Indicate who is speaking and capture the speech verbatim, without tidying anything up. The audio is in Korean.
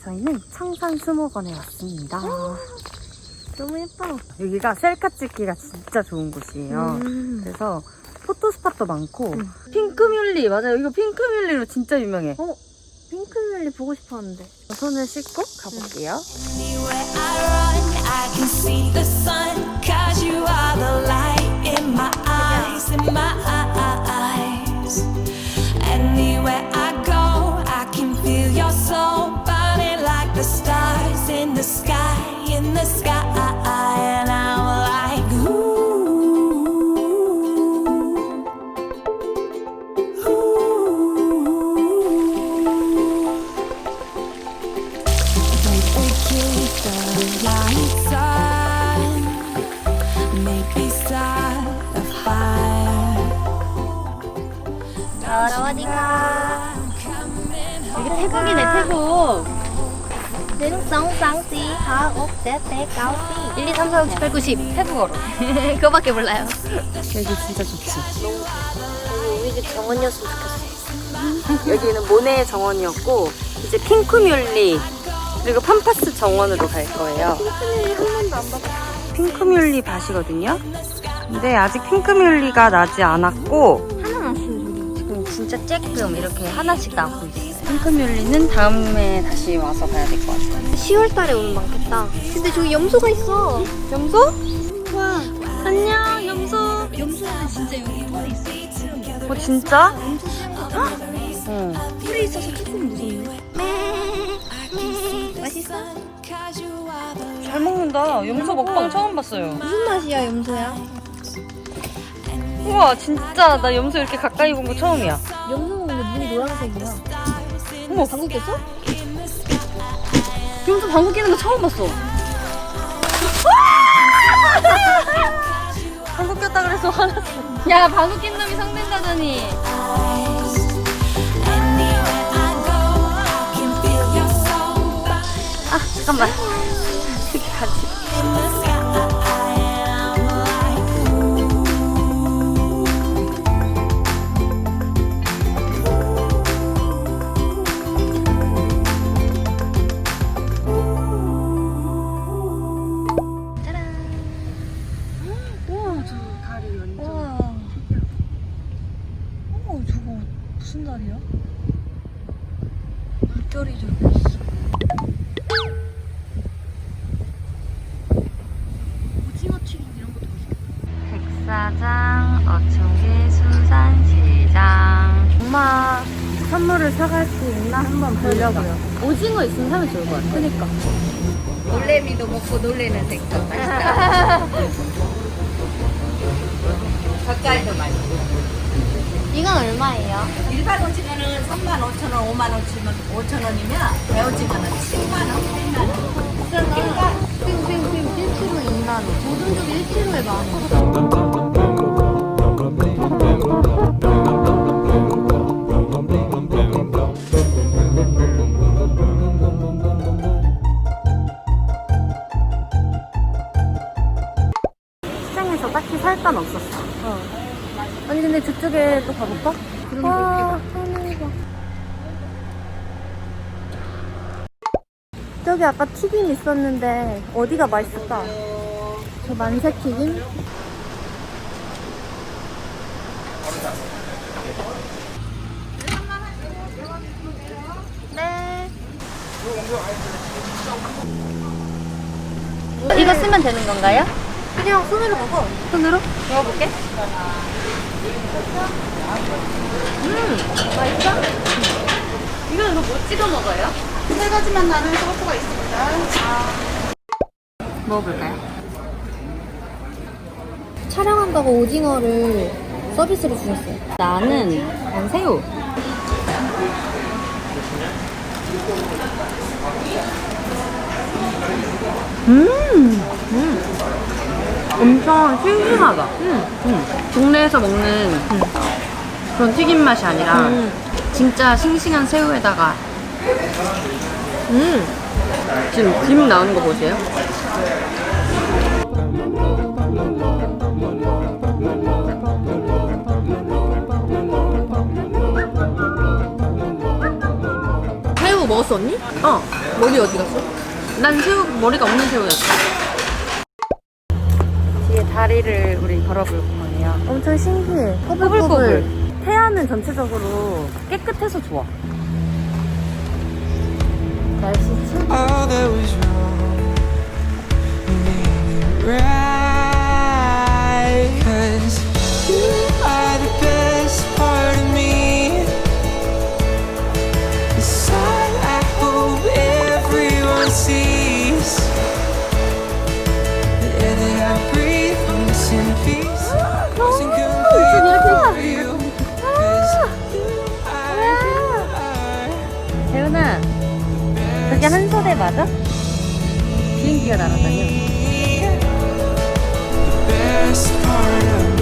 Speaker 1: 저희는 청산수목원에 왔습니다.
Speaker 2: 너무 예뻐.
Speaker 1: 여기가 셀카 찍기가 진짜 좋은 곳이에요.
Speaker 2: 음.
Speaker 1: 그래서 포토스팟도 많고
Speaker 2: 음.
Speaker 1: 핑크뮬리 맞아요. 이거 핑크뮬리로 진짜 유명해.
Speaker 2: 어? 핑크뮬리 보고 싶었는데.
Speaker 1: 손을 씻고 가볼게요.
Speaker 3: Anywhere I run, I can see the sun. Cause you are the light in my eyes, in my eyes. Anywhere I go, I can feel your soul burning like the stars in the sky, in the sky. And I'm like, ooh, ooh. Maybe keep the lights on. Maybe start a fire.
Speaker 2: 사와디카.
Speaker 3: 여기
Speaker 2: 태국이네, 태국. 능성쌍띠 하옥대대 가오띠 일, 이, 삼, 사, 육, 칠, 팔, 구, 십 태국어로. 그거밖에 몰라요.
Speaker 1: 여기 진짜 좋지.
Speaker 2: 우리 집 정원이었으면 좋겠어.
Speaker 1: 여기는 모네 정원이었고 이제 핑크뮬리 그리고 팜파스 정원으로 갈 거예요.
Speaker 2: 핑크뮬리 한 번도 안 봤어.
Speaker 1: 핑크뮬리 밭이거든요. 근데 아직 핑크뮬리가 나지 않았고
Speaker 2: 하나 났어요, 저기.
Speaker 1: 지금 진짜 쬐끔 이렇게 하나씩 나고 있어요. 핑크뮬리는 다음에 다시 와서 가야 될 것 같아요.
Speaker 2: 시월 달에 오면 많겠다. 근데 저기 염소가 있어.
Speaker 1: 염소?
Speaker 2: 와.
Speaker 1: 안녕 염소.
Speaker 2: 염소는 진짜 여기 털이 있어.
Speaker 1: 어 진짜?
Speaker 2: 엄청 어?
Speaker 1: 어.
Speaker 2: 털이 있어서 조금 무섭네. 맛있어?
Speaker 1: 잘 먹는다. 염소 먹방 처음 봤어요.
Speaker 2: 무슨 맛이야, 염소야?
Speaker 1: 우와 진짜 나 염소 이렇게 가까이 본 거 처음이야.
Speaker 2: 염소 먹는데 눈이 노란색이야.
Speaker 1: 어머
Speaker 2: 방구 꼈어?
Speaker 1: 염소 방구 끼는 거 처음 봤어. 방구 꼈다 그래서 화났어.
Speaker 2: 야, 방구 낀 놈이 성된다더니.
Speaker 1: 아 잠깐만. 이렇게 가지. 우와 저 다리 완전.
Speaker 2: 우와.
Speaker 1: 어 저거 무슨 다리야? 물결이 저기 있어. 오징어 튀김 이런 것도 맛있겠다. 백사장 어촌계 수산시장. 엄마 선물을 사갈 수 있나 한번 보려고요. 오징어 있으면 사면 좋을 것 같아. 그니까.
Speaker 4: 놀래미도 먹고 놀래는 생선 맛있다. 젓갈도 맛있고.
Speaker 2: 이건 얼마예요?
Speaker 4: 일반 오징어는 삼만 오천 원, 오만 오천 원이면 배오징어는 칠만 원, 팔만 원.
Speaker 2: 그러니까 빙빙빙 일 킬로그램 이만 원. 모든족이 일 킬로그램에 만 원.
Speaker 1: 시장에서 딱히 살 건 없었어. 어. 아니 근데 저쪽에 또 가볼까? 와, 하늘봐.
Speaker 2: 저기 아까 튀김 있었는데 어디가 맛있을까? 저 만세 튀김? 네.
Speaker 1: 이거 쓰면 되는 건가요?
Speaker 2: 그냥 손으로 먹어.
Speaker 1: 손으로? 먹어볼게. 음, 맛있어? 이건 이거 뭐 찍어 먹어요?
Speaker 4: 세 가지만 나는 소스가 있습니다.
Speaker 1: 먹어볼까요?
Speaker 2: 촬영한다고 오징어를 서비스로 주셨어요.
Speaker 1: 나는 난 새우. 음, 음, 엄청 싱싱하다. 음, 음. 동네에서 먹는 음. 그런 튀김 맛이 아니라
Speaker 2: 음.
Speaker 1: 진짜 싱싱한 새우에다가
Speaker 2: 음.
Speaker 1: 지금 김 나오는 거 보세요.
Speaker 2: 먹었어 언니? 어. 머리 어디 갔어?
Speaker 1: 난 새우, 머리가 없는 새우였어. 뒤에 다리를 우리 걸어볼 거예요.
Speaker 2: 엄청 신기해.
Speaker 1: 꼬불꼬불. 태안은 전체적으로 깨끗해서 좋아.
Speaker 2: 날씨 참.
Speaker 5: All that was wrong, make it right. 'Cause you are the best part of me. The side I hope everyone sees. The air that I breathe, I'm missing a piece. Wasn't complete without you. 'Cause you are.
Speaker 1: 재훈아, 저게 한솔에 맞아? 비행기가 날아다녀.
Speaker 5: Best part of me.